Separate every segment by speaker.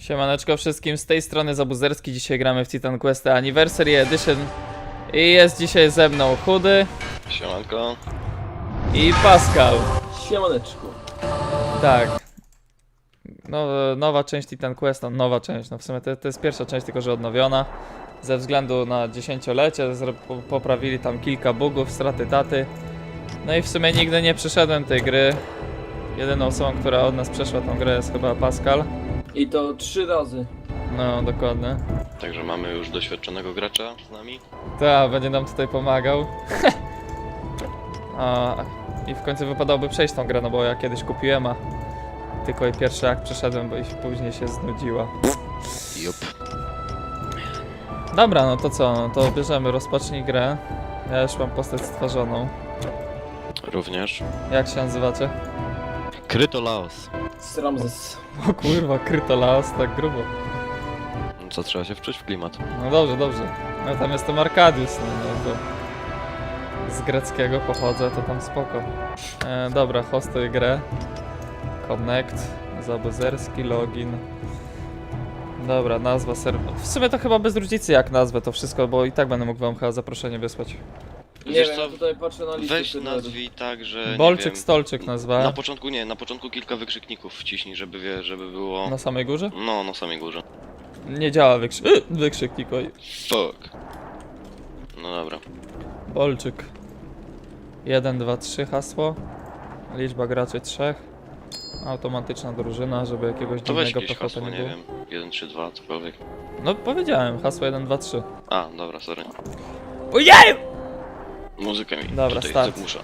Speaker 1: Siemaneczko wszystkim, z tej strony Zabuzerski. Dzisiaj gramy w Titan Quest Anniversary Edition. I jest dzisiaj ze mną Chudy
Speaker 2: Siemanko.
Speaker 1: i Pascal.
Speaker 3: Siemaneczku.
Speaker 1: Tak. Nowa część Titan Quest, no nowa część, no w sumie to jest pierwsza część, tylko że odnowiona. Ze względu na dziesięciolecie poprawili tam kilka bugów, straty taty. No i w sumie nigdy nie przeszedłem tej gry. Jedyną osobą, która od nas przeszła tą grę, jest chyba Pascal.
Speaker 3: I to 3 razy.
Speaker 1: No, dokładnie.
Speaker 2: Także mamy już doświadczonego gracza z nami.
Speaker 1: Tak, będzie nam tutaj pomagał. I w końcu wypadałoby przejść tą grę, no bo ja kiedyś kupiłem, a tylko i pierwszy akt przeszedłem, bo i później się znudziła.
Speaker 2: Jup.
Speaker 1: Dobra, no to co, no to bierzemy, rozpocznij grę. Ja już mam postać stworzoną.
Speaker 2: Również.
Speaker 1: Jak się nazywacie?
Speaker 2: Krytolaos.
Speaker 3: Ramzes.
Speaker 1: O kurwa, Krytolaos, tak grubo.
Speaker 2: Co, trzeba się wczuć w klimat?
Speaker 1: No dobrze, dobrze. No tam jestem Arkadiusz, no to z greckiego pochodzę, to tam spoko. Dobra, hostuj grę. Connect, Zabuzerski, login. Dobra, nazwa serwera. W sumie to chyba bez różnicy jak nazwę to wszystko, bo i tak będę mógł wam chyba zaproszenie wysłać.
Speaker 3: Nie
Speaker 2: Wiesz
Speaker 3: wiem,
Speaker 2: co,
Speaker 3: ja tutaj patrzę na listę.
Speaker 2: Weź nazwij tak, że
Speaker 1: Bolczyk,
Speaker 2: nie wiem,
Speaker 1: stolczyk nazwa.
Speaker 2: na początku kilka wykrzykników wciśnij, żeby było...
Speaker 1: Na samej górze?
Speaker 2: No, na samej górze.
Speaker 1: Nie działa wykrzyknik, oj.
Speaker 2: Fuck. No dobra.
Speaker 1: Bolczyk. 1, 2, 3 hasło. Liczba graczy 3. Automatyczna drużyna, żeby jakiegoś
Speaker 2: To weź
Speaker 1: dziwnego
Speaker 2: jakieś
Speaker 1: profeta
Speaker 2: hasło,
Speaker 1: nie
Speaker 2: nie
Speaker 1: było.
Speaker 2: wiem. 1, 3, 2, cokolwiek.
Speaker 1: No powiedziałem, hasło 1, 2, 3.
Speaker 2: A, dobra, sorry.
Speaker 1: Ojej!
Speaker 2: Muzykę mi
Speaker 1: Dobra,
Speaker 2: tutaj
Speaker 1: start.
Speaker 2: zagłusza.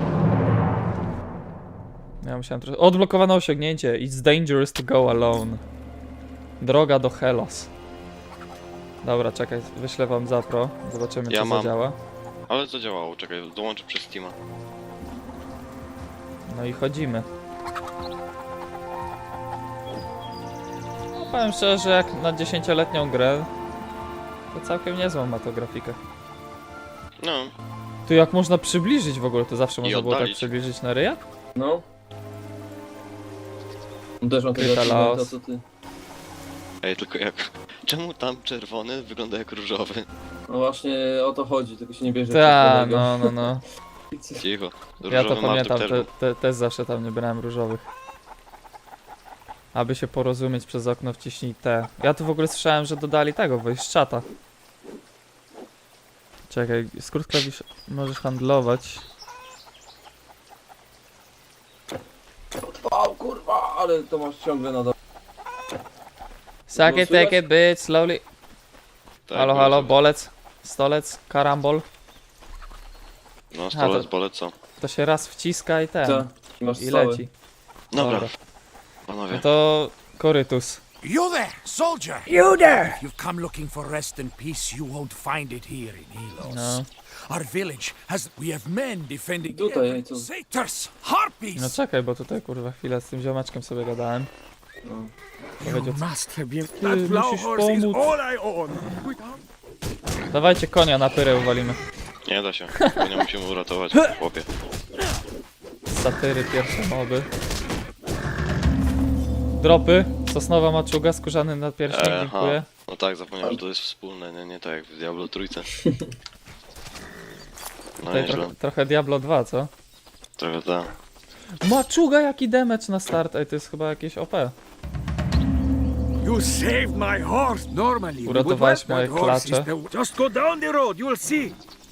Speaker 1: Ja musiałem trochę... Odblokowane osiągnięcie. It's dangerous to go alone. Droga do Helos. Dobra, czekaj, wyślę wam zapro. Zobaczymy,
Speaker 2: Ja
Speaker 1: czy
Speaker 2: mam.
Speaker 1: zadziała.
Speaker 2: Ale zadziałało, czekaj, dołączę przez Steama.
Speaker 1: No i chodzimy. No, powiem szczerze, że jak na 10-letnią grę, to całkiem niezłą ma to grafikę.
Speaker 2: No,
Speaker 1: Tu jak można przybliżyć w ogóle, to zawsze można było tak
Speaker 2: oddalić.
Speaker 1: przybliżyć na ryja?
Speaker 3: No. Też mam tego
Speaker 1: Kryta
Speaker 3: achievementa,
Speaker 1: Laos.
Speaker 3: co ty.
Speaker 2: ej, tylko jak... Czemu tam czerwony wygląda jak różowy?
Speaker 3: No właśnie o to chodzi, tylko się nie bierze.
Speaker 1: Ta,
Speaker 3: czerwonego.
Speaker 1: no.
Speaker 2: Cicho.
Speaker 1: Ja to
Speaker 2: Różowy
Speaker 1: pamiętam,
Speaker 2: Martek też
Speaker 1: też zawsze tam nie brałem różowych. Aby się porozumieć przez okno wciśnij T. Ja tu w ogóle słyszałem, że dodali tego, voice chata. Czekaj, skrót klawisz możesz handlować.
Speaker 3: O kurwa, ale to masz ciągle na dole.
Speaker 1: Suck
Speaker 3: No,
Speaker 1: it, take
Speaker 3: słychać?
Speaker 1: it, bitch, slowly.
Speaker 2: Tak,
Speaker 1: Halo,
Speaker 2: było
Speaker 1: halo,
Speaker 2: coś.
Speaker 1: bolec, stolec, karambol.
Speaker 2: No, stolec,
Speaker 1: to-
Speaker 2: bolec, co?
Speaker 1: To się raz wciska i ten.
Speaker 3: Co? Masz
Speaker 1: I
Speaker 3: całe.
Speaker 1: leci.
Speaker 2: Dobra,
Speaker 1: No
Speaker 2: panowie.
Speaker 1: to korytus.
Speaker 4: You there, soldier!
Speaker 1: You there!
Speaker 4: If you've come looking for rest and peace, you won't find it here in Helos.
Speaker 1: No.
Speaker 4: Our village has... We have men defending...
Speaker 3: Tutaj,
Speaker 4: every-
Speaker 3: co?
Speaker 4: Satyrs! Harpies!
Speaker 1: No czekaj, bo tutaj kurwa chwilę z tym ziomeczkiem sobie gadałem.
Speaker 3: No.
Speaker 1: Powiedział,
Speaker 4: You must have been...
Speaker 1: Ty,
Speaker 4: That plow
Speaker 1: musisz
Speaker 4: horse is
Speaker 1: pomóc.
Speaker 4: all I own.
Speaker 1: dawajcie konia na pyrę uwalimy.
Speaker 2: Nie da się, bo nie musimy uratować, chłopie.
Speaker 1: Satyry, pierwsze moby. Dropy, sosnowa maczuga, skórzany nadpierśnik, dziękuję.
Speaker 2: No tak, zapomniałem, że to jest wspólne, nie tak jak w Diablo trójce. No
Speaker 1: Tutaj
Speaker 2: nieźle,
Speaker 1: trochę Diablo 2, co?
Speaker 2: trochę tak.
Speaker 1: Maczuga, jaki damage na start, ej, to jest chyba jakieś OP.
Speaker 4: You saved my horse. Normally, we would
Speaker 1: Uratowałeś
Speaker 4: let
Speaker 1: moje
Speaker 4: that horse
Speaker 1: klacze.
Speaker 4: Just go down the road, you'll see.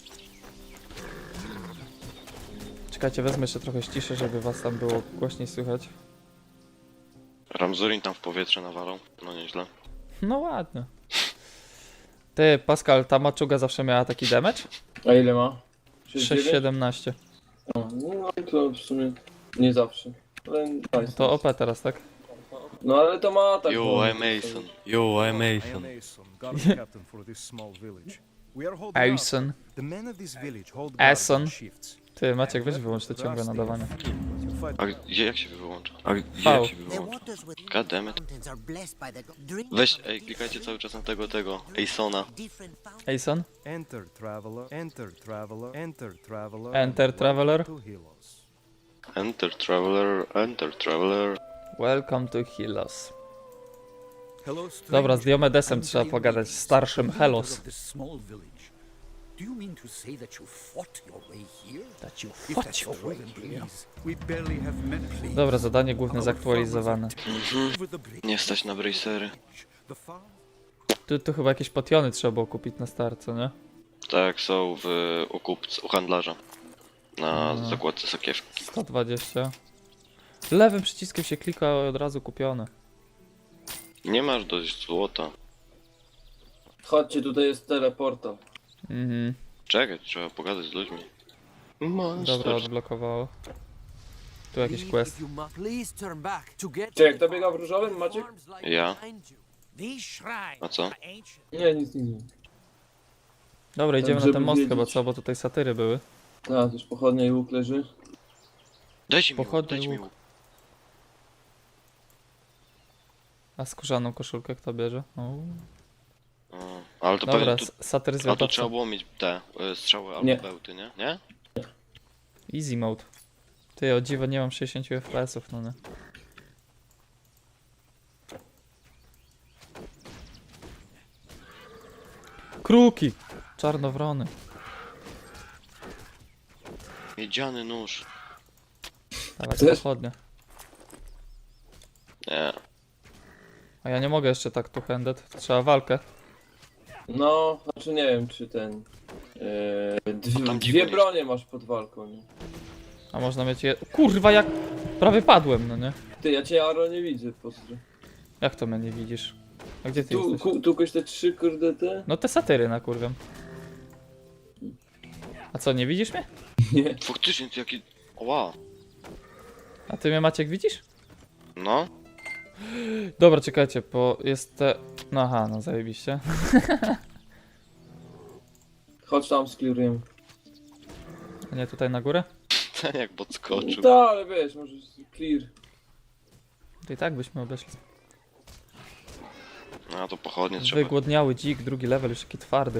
Speaker 1: Czekajcie, wezmę jeszcze trochę ściszę, żeby was tam było głośniej słychać.
Speaker 2: Ramzurin tam w powietrze nawalał, no nieźle.
Speaker 1: No ładnie. Ty, Pascal, ta maczuga zawsze miała taki damage?
Speaker 3: A ile ma? 6,9?
Speaker 1: 6,17.
Speaker 3: No to w sumie nie zawsze. Ale nice.
Speaker 1: To OP teraz, tak?
Speaker 3: No ale to ma tak.
Speaker 2: Yo, I'm Mason. Yo, I'm Mason.
Speaker 5: Ason, guard captain for this small village. We are holding out.
Speaker 1: Ason.
Speaker 5: The men of this village hold
Speaker 1: Ason.
Speaker 5: guard on shifts.
Speaker 1: Ty, Maciek, weź wyłącz to ciągłe nadawanie.
Speaker 2: A gdzie, jak się wyłącza? A gdzie,
Speaker 1: V.
Speaker 2: jak się
Speaker 6: The
Speaker 2: wyłącza?
Speaker 6: waters within
Speaker 2: God damn it.
Speaker 6: mountains are blessed by the drink
Speaker 2: Weź,
Speaker 6: of
Speaker 2: ej, klikajcie cały czas na tego, Asona.
Speaker 6: different fountains.
Speaker 1: Ason?
Speaker 5: Enter traveler, enter traveler, enter traveler.
Speaker 1: Enter
Speaker 5: and
Speaker 1: traveler.
Speaker 5: welcome to Helos.
Speaker 2: Enter traveler, enter traveler.
Speaker 1: Welcome to Helos.
Speaker 4: Hello,
Speaker 1: Dobra, z
Speaker 4: stranger.
Speaker 1: Diomedesem
Speaker 4: I'm
Speaker 1: trzeba
Speaker 4: Diomedes,
Speaker 1: pogadać, starszym
Speaker 4: leader
Speaker 1: Helos.
Speaker 4: of this small village. Do you mean to say that you fought your way here?
Speaker 1: That you
Speaker 4: If that's true, then please, we barely have men. Please.
Speaker 1: Dobra, zadanie główne zaktualizowane.
Speaker 4: Over the bridge.
Speaker 2: Nie stać na bracery.
Speaker 4: The farm.
Speaker 1: Tu chyba jakieś potiony trzeba było kupić na start, co nie?
Speaker 2: Tak, są u handlarza. Na zakładce sakiewki.
Speaker 1: 120. Lewym przyciskiem się klika, od razu kupione.
Speaker 2: Nie masz dość złota.
Speaker 3: Chodźcie, tutaj jest teleportal.
Speaker 1: Mhm.
Speaker 2: Czekaj, trzeba pogadać z ludźmi.
Speaker 1: Dobra, odblokowało. Tu jakiś quest.
Speaker 6: Please turn back to get
Speaker 3: Czy jak to biega w różowym, Maciek?
Speaker 2: Ja?
Speaker 6: These shrines
Speaker 2: A co?
Speaker 6: are ancient.
Speaker 3: Nie, nic.
Speaker 1: Dobra, idziemy na
Speaker 3: żeby
Speaker 1: ten most
Speaker 3: wiedzieć.
Speaker 1: chyba, co? Bo tutaj satyry były.
Speaker 3: A, też pochodnia i łuk leży.
Speaker 2: Dajcie mi łuk,
Speaker 1: Pochodny
Speaker 2: dajcie mi
Speaker 1: łuk.
Speaker 2: łuk.
Speaker 1: A skórzaną koszulkę kto bierze? O.
Speaker 2: O, ale to
Speaker 1: Dobra,
Speaker 2: pewnie tu,
Speaker 1: satyr
Speaker 2: a tu
Speaker 1: zwiadowca.
Speaker 2: trzeba było mieć te strzały albo
Speaker 3: Nie.
Speaker 2: bełty, nie? Nie?
Speaker 1: Easy mode. Ty, o dziwo nie mam 60 FPS-ów, no nie. Kruki! Czarnowrony.
Speaker 2: Miedziany nóż.
Speaker 1: Dawaj
Speaker 3: Chcesz?
Speaker 1: pochodnie.
Speaker 2: Nie.
Speaker 1: A ja nie mogę jeszcze tak two-handed, to trzeba walkę.
Speaker 3: No, znaczy nie wiem, czy ten...
Speaker 2: Tam
Speaker 3: dwie
Speaker 2: dziko
Speaker 3: bronie masz pod walką, nie?
Speaker 1: A można mieć je... Kurwa, jak... Prawie padłem, no nie?
Speaker 3: Ty, ja cię Aro nie widzę, pozdro.
Speaker 1: Jak to mnie nie widzisz? A gdzie ty jesteś?
Speaker 3: Tu koś te 3 kurde te?
Speaker 1: No te satyry na kurwem. A co, nie widzisz mnie?
Speaker 3: Nie.
Speaker 2: Faktycznie, ty jaki... Ła.
Speaker 1: A ty mnie Maciek widzisz?
Speaker 2: No.
Speaker 1: Dobra, czekajcie, bo jest te... No aha, no zajebiście.
Speaker 3: Chodź tam, sklirujemy.
Speaker 1: A nie tutaj na górę?
Speaker 2: Ten jak podskoczył.
Speaker 3: Tak, ale wiesz, może clear.
Speaker 1: To i tak byśmy obeszli.
Speaker 2: A to pochodnie trzeba.
Speaker 1: Wygłodniały dzik, drugi level, już taki twardy.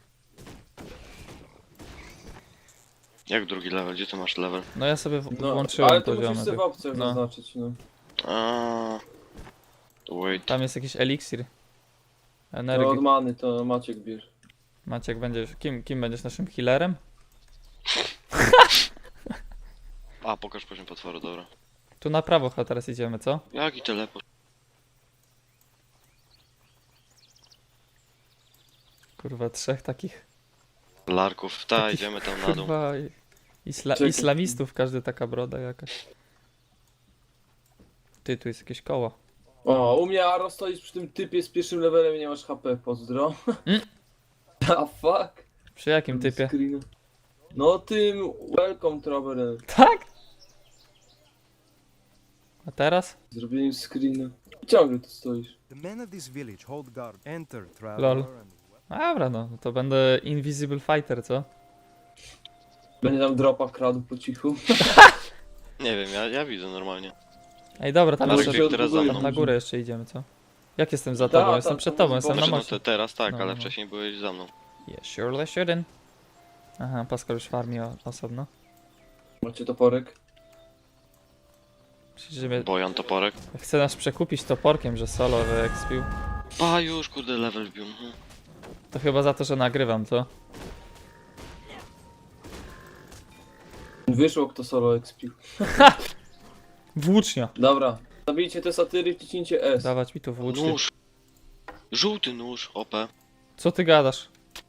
Speaker 2: Jak drugi level? Gdzie ty masz level?
Speaker 1: No ja sobie
Speaker 3: No,
Speaker 1: włączyłem
Speaker 3: ale to
Speaker 1: poziomy.
Speaker 3: musisz sobie w opcjach
Speaker 1: No.
Speaker 3: zaznaczyć, no.
Speaker 2: A. Wait.
Speaker 1: Tam jest jakiś eliksir.
Speaker 3: To
Speaker 1: Energii.
Speaker 3: od many, to Maciek bierz.
Speaker 1: Maciek będziesz... Kim będziesz naszym healerem?
Speaker 2: A, pokaż poziom potworu, dobra.
Speaker 1: Tu na prawo chyba teraz idziemy, co?
Speaker 2: Jaki teleport?
Speaker 1: Kurwa, trzech takich...
Speaker 2: Larków. Ta, idziemy tam na dół.
Speaker 1: Kurwa...
Speaker 3: Czekaj.
Speaker 1: Islamistów, każdy taka broda jakaś. Ty, tu jest jakieś koło.
Speaker 3: O, u mnie Aro stoisz przy tym typie z pierwszym levelem i nie masz HP, pozdro. A fuck?
Speaker 1: Przy jakim typie?
Speaker 3: Screena. No tym welcome traveler.
Speaker 1: Tak? A teraz?
Speaker 3: Zrobieniem screena. Ciągle tu stoisz.
Speaker 5: The men of this village hold guard. Enter,
Speaker 1: Lol.
Speaker 5: traveler.
Speaker 1: Dobra, no to będę Invisible Fighter, co?
Speaker 3: Będzie tam dropa kradł po cichu.
Speaker 2: Nie wiem, ja widzę normalnie.
Speaker 1: Ej, dobra, tam
Speaker 2: Marek,
Speaker 1: jeszcze...
Speaker 2: jak teraz za
Speaker 3: odbuduje.
Speaker 2: mną.
Speaker 1: Na górę jeszcze idziemy, co? Jak jestem za tobą?
Speaker 3: Ta,
Speaker 1: Jestem
Speaker 3: ta,
Speaker 1: przed
Speaker 3: ta,
Speaker 1: tobą,
Speaker 3: ta,
Speaker 1: jestem na
Speaker 2: Znaczy, no
Speaker 1: moście.
Speaker 2: teraz tak,
Speaker 1: No,
Speaker 2: ale
Speaker 1: no.
Speaker 2: wcześniej byłeś za mną.
Speaker 1: Yeah, surely shouldn't. Aha, Pascal już farmi osobno.
Speaker 3: Macie toporek?
Speaker 1: Myślisz, że mnie...
Speaker 2: Bojan toporek.
Speaker 1: Chce nas przekupić toporkiem, że solo wyekspił.
Speaker 2: Pa, już kurde level wbił.
Speaker 1: To chyba za to, że nagrywam, co?
Speaker 3: Wyszło kto solo expił.
Speaker 1: Włócznia!
Speaker 3: Dobra. Zabijcie te satyry i wciśnijcie S.
Speaker 1: Dawać mi tu włócznie.
Speaker 2: Nóż. Żółty nóż, OP.
Speaker 1: Co ty gadasz?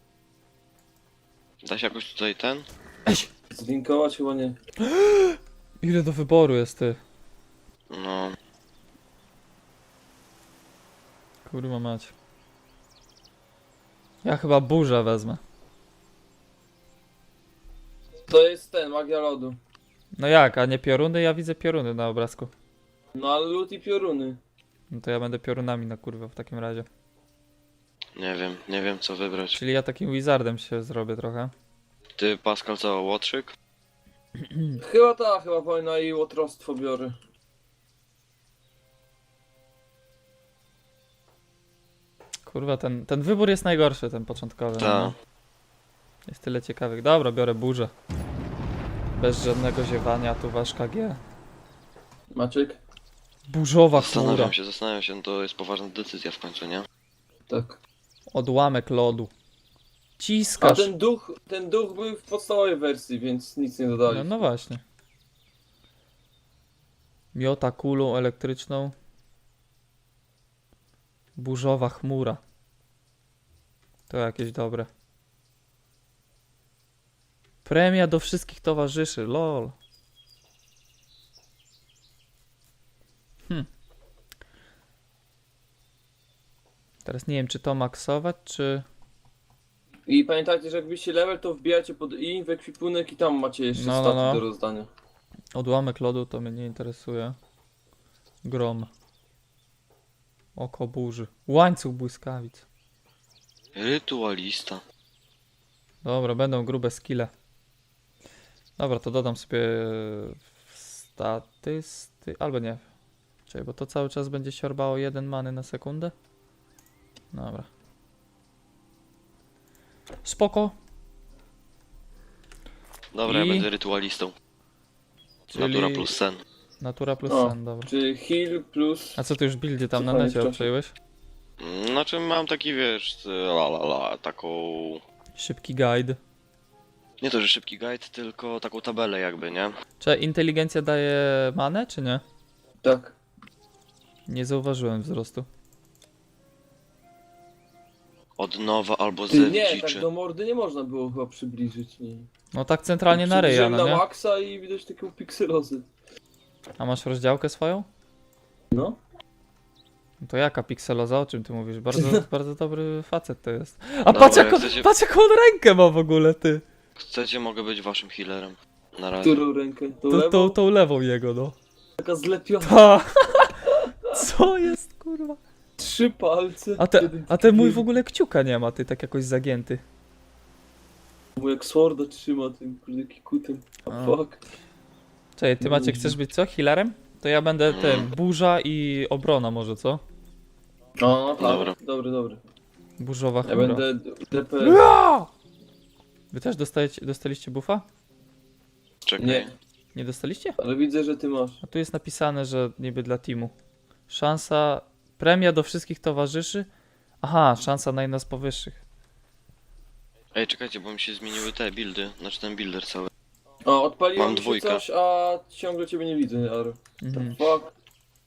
Speaker 2: Da się jakoś tutaj ten?
Speaker 3: Zlinkować chyba nie.
Speaker 1: Ile do wyboru jest ty?
Speaker 2: No.
Speaker 1: Kurwa mać. Ja chyba burzę wezmę.
Speaker 3: To jest ten, magia lodu.
Speaker 1: No jak, a nie pioruny? Ja widzę pioruny na obrazku.
Speaker 3: No ale lód i pioruny.
Speaker 1: No to ja będę piorunami na kurwa w takim razie.
Speaker 2: Nie wiem co wybrać.
Speaker 1: Czyli ja takim wizardem się zrobię trochę.
Speaker 2: Ty, Pascal, co, łotrzyk?
Speaker 3: Chyba wojna i łotrostwo biorę.
Speaker 1: Kurwa, ten wybór jest najgorszy, ten początkowy.
Speaker 2: Ta.
Speaker 1: No. Jest tyle ciekawych. Dobra, biorę burzę. Bez żadnego ziewania, tu wasz KG.
Speaker 3: Maciek?
Speaker 1: Burzowa chmura.
Speaker 2: Zastanawiam się, no to jest poważna decyzja w końcu, nie?
Speaker 3: Tak.
Speaker 1: Odłamek lodu.
Speaker 3: A
Speaker 1: Ciskasz.
Speaker 3: ten duch był w podstawowej wersji, więc nic nie dodali.
Speaker 1: No właśnie. Miota kulą elektryczną. Burzowa chmura. To jakieś dobre. Premia do wszystkich towarzyszy, lol. Teraz nie wiem, czy to maksować, czy...
Speaker 3: I pamiętajcie, że jak byście level, to wbijacie pod i w ekwipunek i tam macie jeszcze
Speaker 1: No, no,
Speaker 3: staty
Speaker 1: no.
Speaker 3: do rozdania.
Speaker 1: Odłamek lodu to mnie nie interesuje. Grom. Oko burzy. Łańcuch błyskawic.
Speaker 2: Rytualista.
Speaker 1: Dobra, będą grube skille. Dobra, to dodam sobie albo nie. Czekaj, bo to cały czas będzie siorbało 1 many na sekundę. Dobra. Spoko.
Speaker 2: Dobra,
Speaker 1: I-
Speaker 2: ja będę rytualistą.
Speaker 1: Czyli
Speaker 2: Natura plus sen.
Speaker 1: Natura plus
Speaker 3: O.
Speaker 1: sen, dobra.
Speaker 3: Czy heal plus...
Speaker 1: A co ty już buildy tam na
Speaker 3: Cofanie w
Speaker 1: necie
Speaker 3: czasie.
Speaker 1: obczaiłeś?
Speaker 2: Znaczy mam taki, wiesz, taką...
Speaker 1: Szybki guide.
Speaker 2: Nie to, że szybki guide, tylko taką tabelę jakby, nie?
Speaker 1: Czy inteligencja daje manę, czy nie?
Speaker 3: Tak.
Speaker 1: Nie zauważyłem wzrostu.
Speaker 2: Od nowa albo
Speaker 3: Ty,
Speaker 2: zew
Speaker 3: nie, tak
Speaker 2: dziczy.
Speaker 3: do mordy nie można było chyba przybliżyć, nie.
Speaker 1: No tak centralnie na ryja,
Speaker 3: Przybliżyłem
Speaker 1: no
Speaker 3: na
Speaker 1: nie?
Speaker 3: maksa i widać taką pikselozę.
Speaker 1: A masz rozdziałkę swoją?
Speaker 3: No.
Speaker 1: No to jaka pikseloza? O czym ty mówisz? Bardzo, bardzo dobry facet to jest. A
Speaker 2: Dobra,
Speaker 1: patrz,
Speaker 2: jak
Speaker 1: jaką,
Speaker 2: chcecie-
Speaker 1: patrz jaką on rękę ma w ogóle, ty.
Speaker 2: Chcecie, mogę być waszym healerem. Na razie.
Speaker 3: Którą rękę? Tą
Speaker 1: Tą,
Speaker 3: lewą?
Speaker 1: tą lewą jego, no.
Speaker 3: Taka zlepiona.
Speaker 1: Ta. Co jest, kurwa?
Speaker 3: 3 palce.
Speaker 1: A,
Speaker 3: jeden
Speaker 1: a ten mój w
Speaker 3: taki
Speaker 1: ogóle kciuka nie ma, ty, tak jakoś zagięty.
Speaker 3: Mój jak sworda trzyma tym kurde kikutem.
Speaker 1: A.
Speaker 3: A fuck.
Speaker 1: Czekaj, ty Maciek chcesz być co? Healerem? To ja będę tym, burza i obrona może, co?
Speaker 3: No, tak.
Speaker 2: Dobra.
Speaker 3: Dobry.
Speaker 1: Burzowa
Speaker 3: Ja
Speaker 1: chmura.
Speaker 3: będę DP.
Speaker 1: Wy też dostaliście buffa?
Speaker 2: Czekaj.
Speaker 3: Nie,
Speaker 1: Nie dostaliście?
Speaker 3: ale widzę, że ty masz.
Speaker 1: A tu jest napisane, że niby dla teamu. Szansa, premia do wszystkich towarzyszy. Aha, szansa na jedna z powyższych.
Speaker 2: Ej, czekajcie, bo mi się zmieniły te buildy. Znaczy ten builder cały.
Speaker 3: O, odpaliło
Speaker 2: Mam
Speaker 3: mi się
Speaker 2: dwójkę.
Speaker 3: coś, a ciągle ciebie nie widzę, Aro.
Speaker 1: Mhm.
Speaker 3: Fuck.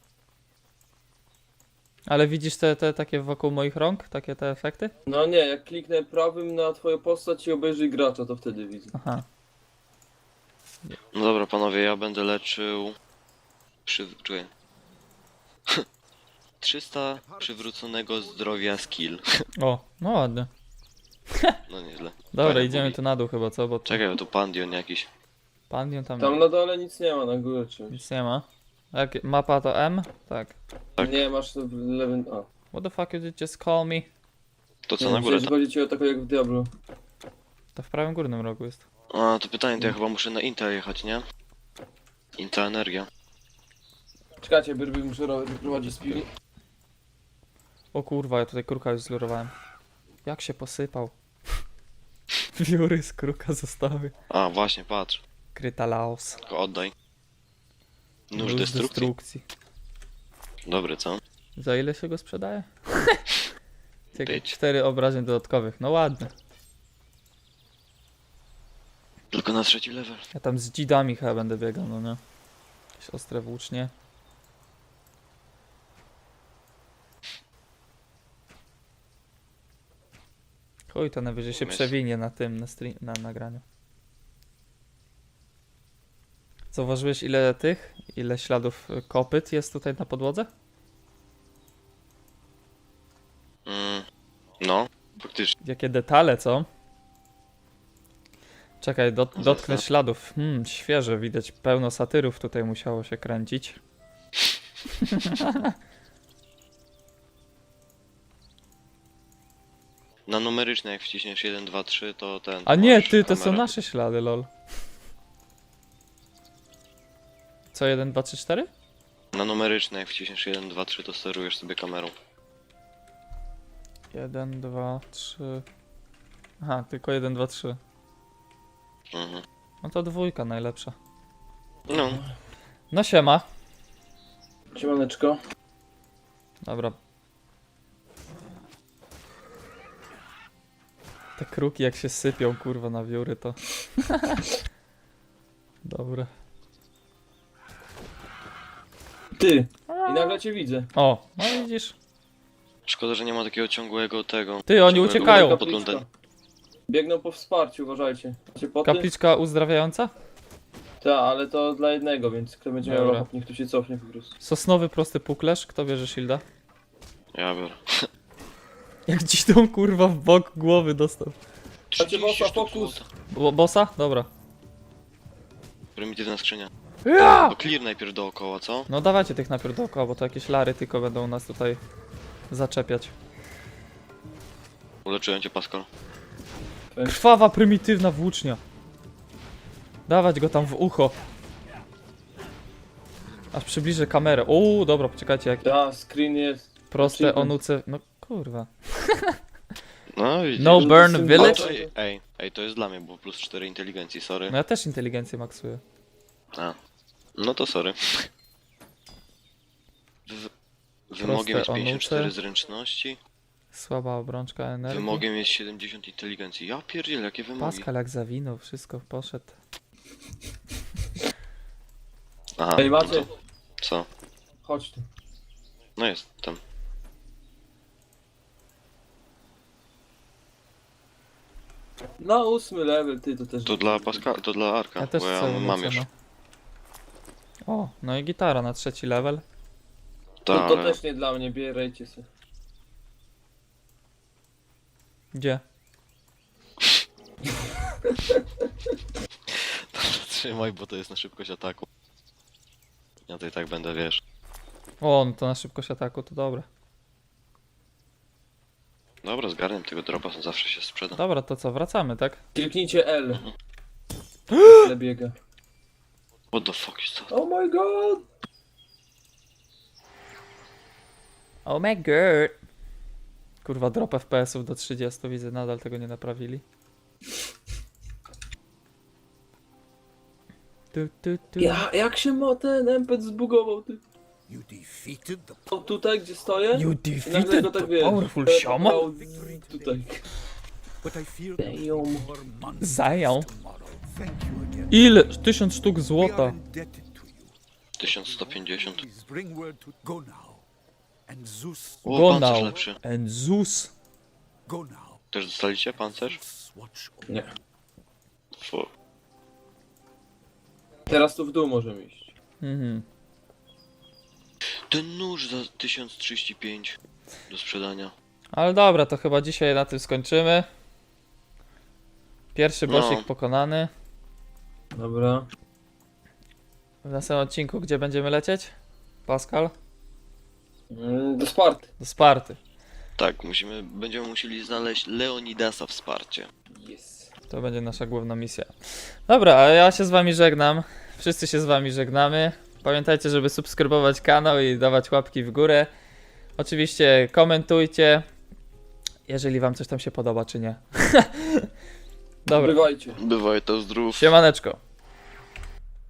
Speaker 1: Ale widzisz te takie wokół moich rąk? Takie te efekty?
Speaker 3: No nie, jak kliknę prawym na twoją postać i obejrzyj gracza, to wtedy widzę.
Speaker 1: Aha.
Speaker 2: No dobra, panowie, ja będę leczył... Czekaj. 300 przywróconego zdrowia skill.
Speaker 1: O, no ładnie.
Speaker 2: No nieźle.
Speaker 1: Dobra,
Speaker 2: Fajnie
Speaker 1: idziemy
Speaker 2: mówi.
Speaker 1: tu na dół chyba, co? Bo tu
Speaker 2: Czekaj, bo tu pandion jakiś.
Speaker 1: Pandion tam
Speaker 3: Tam na dole nic nie ma, na górze czymś.
Speaker 1: nic nie ma. Jak mapa to M? Tak.
Speaker 2: Tak.
Speaker 3: Nie, masz w lewym... A.
Speaker 1: What the fuck you did just call me?
Speaker 2: To co
Speaker 3: Nie,
Speaker 2: na górę?
Speaker 3: myślałem, że chodzi ci o taką jak w Diablo.
Speaker 1: To w prawym górnym rogu jest.
Speaker 2: A, to pytanie, to ja chyba muszę na Intel jechać, nie? Intel Energia.
Speaker 3: Czekajcie, Byrby muszę prowadzić z piwni.
Speaker 1: O kurwa, ja tutaj kruka już zlurowałem. Jak się posypał. Wióry z kruka zostały.
Speaker 2: A, właśnie, patrz.
Speaker 1: Kryta Laos.
Speaker 2: Tylko oddaj. Nóż
Speaker 1: Nóż
Speaker 2: destrukcji. Dobry, co?
Speaker 1: Za ile się go sprzedaje?
Speaker 2: Być.
Speaker 1: 4 obrażeń dodatkowych. No ładnie.
Speaker 2: Tylko na 3 level.
Speaker 1: Ja tam z dzidami chyba będę biegał, no nie? Jakieś ostre włócznie. Chuj, to najwyżej się
Speaker 2: Myśl.
Speaker 1: przewinie na tym, na nagraniu. Zauważyłeś ile śladów kopyt jest tutaj na podłodze?
Speaker 2: No, faktycznie.
Speaker 1: Jakie detale, co? Czekaj, dotknę
Speaker 2: Zasad.
Speaker 1: śladów. Świeże, widać pełno satyrów tutaj musiało się kręcić.
Speaker 2: Na numeryczne jak wciśniesz 1, 2, 3 to ten...
Speaker 1: A nie,
Speaker 2: masz
Speaker 1: ty, to są
Speaker 2: kamerę.
Speaker 1: nasze ślady, lol. Co, 1, 2, 3, 4?
Speaker 2: Na numeryczne jak wciśniesz 1, 2, 3 to sterujesz sobie kamerą.
Speaker 1: 1, 2, 3... Aha, tylko 1, 2, 3.
Speaker 2: Mhm.
Speaker 1: No to dwójka najlepsza.
Speaker 2: No,
Speaker 1: No siema.
Speaker 3: Siemaneczko.
Speaker 1: Dobra. Te kruki jak się sypią, kurwa, na wióry to... Dobra.
Speaker 3: Ty! I nagle cię widzę.
Speaker 1: O, no widzisz?
Speaker 2: Szkoda, że nie ma takiego ciągłego tego.
Speaker 1: Ty, oni
Speaker 2: ciągłego
Speaker 1: uciekają.
Speaker 2: podglądu.
Speaker 3: Biegną po wsparciu, uważajcie. Macie poty?
Speaker 1: Kapliczka uzdrawiająca?
Speaker 3: Tak, ale to dla jednego, więc kto będzie miał
Speaker 1: Dobra.
Speaker 3: ochotę, niech tu się cofnie po prostu.
Speaker 1: Sosnowy prosty puklerz, kto bierze shielda?
Speaker 2: Ja biorę.
Speaker 1: Jak dziś tą kurwa w bok głowy dostał.
Speaker 2: 30
Speaker 3: bossa,
Speaker 2: sztuk
Speaker 3: fokus.
Speaker 2: złota.
Speaker 1: Bossa? Dobra.
Speaker 2: Prymitywna skrzynia.
Speaker 1: Ja!
Speaker 2: To clear najpierw dookoła, co?
Speaker 1: No dawajcie tych najpierw dookoła, bo to jakieś lary tylko będą nas tutaj zaczepiać.
Speaker 2: Uleczyłem cię, Pascal.
Speaker 1: Krwawa, prymitywna włócznia. Dawać go tam w ucho. Aż przybliżę kamerę. Uuu, dobra, poczekajcie, jak
Speaker 3: Ta, screen jest.
Speaker 1: proste
Speaker 3: achievement.
Speaker 1: onuce. No kurwa.
Speaker 2: No widzisz.
Speaker 1: No burn
Speaker 3: Symbol-
Speaker 1: village?
Speaker 2: Ej, to jest dla mnie, bo plus 4 inteligencji, sorry.
Speaker 1: No ja też inteligencję maksuję.
Speaker 2: A. No to sorry. Wymogiem jest
Speaker 1: Proste
Speaker 2: 54
Speaker 1: onuce.
Speaker 2: zręczności.
Speaker 1: Słaba obrączka energii.
Speaker 2: Wymogiem jest 70 inteligencji. Ja pierdzielę, jakie wymogi.
Speaker 1: Pascal jak zawinął, wszystko poszedł.
Speaker 2: Aha,
Speaker 3: Ej,
Speaker 2: no
Speaker 3: macie,
Speaker 2: to, co?
Speaker 3: chodź tu.
Speaker 2: No jest, tam.
Speaker 3: Na 8 level, ty to też.
Speaker 2: To dla Pascal, to dla Arka,
Speaker 1: Ja też
Speaker 2: bo ja
Speaker 1: chcę
Speaker 2: mam
Speaker 1: ewolucję,
Speaker 2: już.
Speaker 1: no. O, no i gitara na 3. level.
Speaker 2: Tak,
Speaker 3: To
Speaker 2: ale
Speaker 3: też nie dla mnie, bierajcie sobie.
Speaker 1: Gdzie?
Speaker 2: trzymaj, bo to jest na szybkość ataku. Ja to i tak będę, wiesz.
Speaker 1: O, no to na szybkość ataku, to dobra.
Speaker 2: Dobra, zgarniam tego dropa, zawsze się sprzeda.
Speaker 1: Dobra, to co, wracamy, tak?
Speaker 3: Kliknijcie L. Ile biega.
Speaker 2: What the fuck is that?
Speaker 3: Oh my god!
Speaker 1: Oh my god. Kurwa, drop FPS-ów do 30, widzę, nadal tego nie naprawili. Tu.
Speaker 3: Jak się ma ten NPC zbugował, ty?
Speaker 5: You defeated the
Speaker 3: O, tutaj, gdzie stoję?
Speaker 1: You
Speaker 3: I nagle
Speaker 1: defeated
Speaker 3: go tak
Speaker 1: the
Speaker 3: wiesz.
Speaker 1: powerful shaman?
Speaker 3: telepał Tutaj.
Speaker 5: but I fear
Speaker 3: Damn.
Speaker 5: more months
Speaker 1: Zają.
Speaker 5: tomorrow. Thank you again.
Speaker 1: Ile? 1000 sztuk
Speaker 5: We are
Speaker 1: złota.
Speaker 5: indebted to you.
Speaker 2: 1150.
Speaker 5: Please bring word to go now. And Zeus,
Speaker 2: O,
Speaker 1: Go
Speaker 2: pancerz
Speaker 1: now.
Speaker 2: lepszy.
Speaker 1: And Zeus.
Speaker 5: go now.
Speaker 2: Też dostaliście pancerz?
Speaker 5: Zeus watch over.
Speaker 3: Nie.
Speaker 2: Fu.
Speaker 3: Teraz tu w dół możemy iść.
Speaker 1: Mhm.
Speaker 2: Ten nóż za 1035 do sprzedania.
Speaker 1: Ale dobra, to chyba dzisiaj na tym skończymy. Pierwszy bossik
Speaker 2: No.
Speaker 1: pokonany.
Speaker 3: Dobra.
Speaker 1: W następnym odcinku gdzie będziemy lecieć? Pascal?
Speaker 3: Do Sparty.
Speaker 1: Do Sparty.
Speaker 2: Tak, będziemy musieli znaleźć Leonidasa wsparcie.
Speaker 3: Yes.
Speaker 1: To będzie nasza główna misja. Dobra, a ja się z wami żegnam. Wszyscy się z wami żegnamy. Pamiętajcie, żeby subskrybować kanał i dawać łapki w górę. Oczywiście komentujcie, jeżeli wam coś tam się podoba, czy nie. Dobra,
Speaker 3: Bywajcie.
Speaker 2: Bywaj to zdrów.
Speaker 1: siemaneczko.